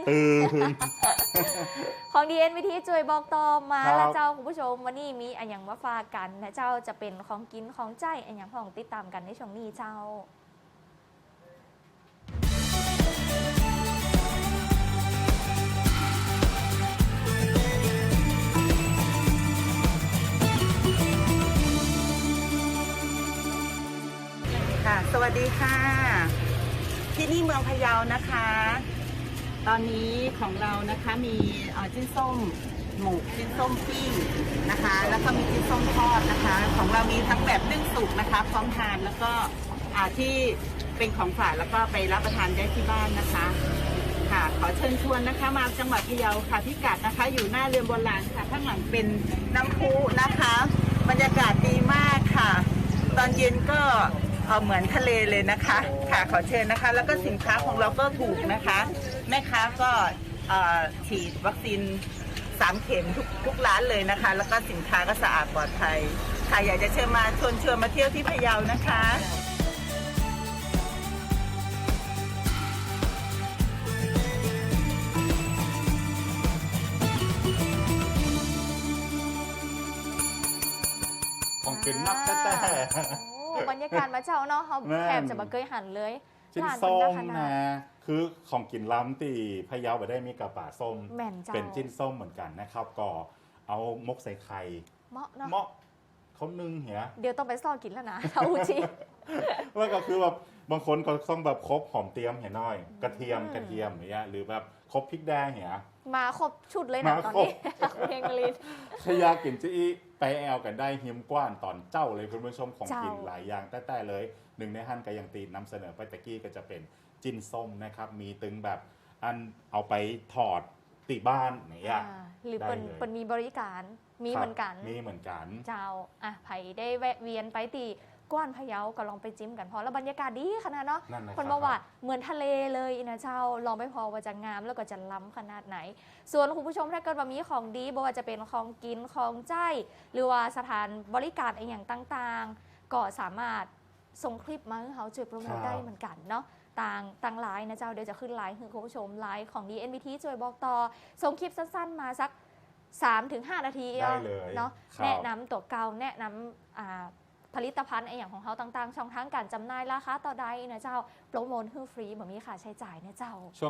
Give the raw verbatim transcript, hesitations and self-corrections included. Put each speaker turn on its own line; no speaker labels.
ตื่น
ของ ดี เอ็น วี ที ช่วยบอกต่อมา
ครับ
แล้วเจ้าคุณผู้ชมวันนี้มีอันอย่างมาฝากกันนะเจ้าจะเป็นของกินของใจอันอย่างของติดตามกันในช่วงนี้เจ้า
ค่ะสวัสดีค่ะ ที่นี่เมืองพะเยานะคะ ตอนนี้ของเรานะคะมีเอ่อจิ้นส้มหมูจิ้นส้มปิ้งนะคะ แล้วก็มีจิ้นส้มทอดนะคะ ของเรามีทั้งแบบนึ่งสุกนะคะพร้อมทานแล้วก็อ่าที่เป็นของฝากแล้วก็ไปรับประทานได้ที่บ้านนะคะค่ะขอเชิญชวนนะคะมาจังหวัดพะเยาค่ะพิกัดนะคะ อยู่หน้าเรือนโบราณค่ะข้างหลังเป็นน้ำพุนะคะ บรรยากาศดีมากค่ะ ตอนเย็นก็เอ่อเหมือนทะเลเลยนะคะค่ะขอเชิญนะคะ แล้วก็สินค้าของเราก็ถูกนะคะ แม่ค้าก็เอ่อฉีดวัคซีนสามเข็มทุกทุกร้านเลยนะคะ แล้วก็สินค้าก็สะอาดปลอดภัยค่ะอยากจะเชิญมาชวนชวนมาเที่ยวที่พะเยานะคะ
ของกินนักแต่แต่
โอ้บรรยากาศมาเจ้าเนาะเขา
แม่น
แถบจะมาเคยหันเลย
ชิ้น
ร้าน
ส้
เป็
ม
ขนา
นะ
ด
คือของกินล้ำตีพะเยาไปได้มีกระป่าส้ม
แม่นเจ้า
เป็นจิ้นส้มเหมือนกันนะครับ ก็เอามกใส่ไข่
เหมาะเนาะ
เหมาะเขานึ่งเหีย
เดี๋ยวต้องไปซ่อกินแล้วนะเอาจริง
แล้วก็คือแบบบางคนก็ต้องแบบครบหอมเตรียมเหียน้อย กระเทียม
อืม
กระเทียมอย่างเงี้ยหรือแบบครบพริกแดงเหีย
มาครบชุดเลยนะ
มา
ตอน
ครบ
นี้ เพลงลิน
ถ้าอยากกินจี้ไปแอลกันได้หิมกว้านตอนเจ้าเลยคุณผู้ชมของ
เจ้ากิ
กินหลายอย่างแต่แต่เลยหนึ่งในหั่นก็ยังตีนำเสนอไปตะกี้ก็จะเป็นจิ้นส้มนะครับ มีตึงแบบอันเอาไปถอดติบ้านอย่างเงี้ย
อ่าหรือ
ได้
เปิน
เลย
เปินมีบริการมี
ครับ
เหมือนกัน
มีเหมือนกัน
เจ้าอ่ะไผ่ได้แวะเวียนไปตีกว้านพะเยาก็ลองไปจิ้มกันพอแล้วบรรยากาศดีขนาดเนาะ
นั่นนะ
คน
รั
บอกว่าเหมือนทะเลเลยนะเจ้าลองไปพอว่าจะงามแล้วก็จะล้ำขนาดไหน ส่วนคุณผู้ชมถ้าเกิดว่ามีของดีบ่ว่าจะเป็นของกินของใจ หรือว่าสถานบริการอะไรอย่างต่างๆ ก็สามารถส่งคลิปมาให้เขาช่วยโปรโมทได้เหมือนกันเนาะต่างต่างไลน์นะเจ้าเดี๋ยวจะขึ้นไลน์คือคุณผู้ชมไลน์ของ ดี เอ็น วี ที ช่วยบอกต่อส่งคลิปสั้นๆมาสัก สามถึงห้า นาที
ได้เลย
เนาะ
ครับ
แนะนำตัวเก่าแนะนำอ่าผลิตภัณฑ์ไออย่างของเขาต่างๆ ช่องทางการจำหน่ายราคาต่อใดนะเจ้าโปรโมทให้ฟรีแบบมีค่าใช้จ่ายนะเจ้า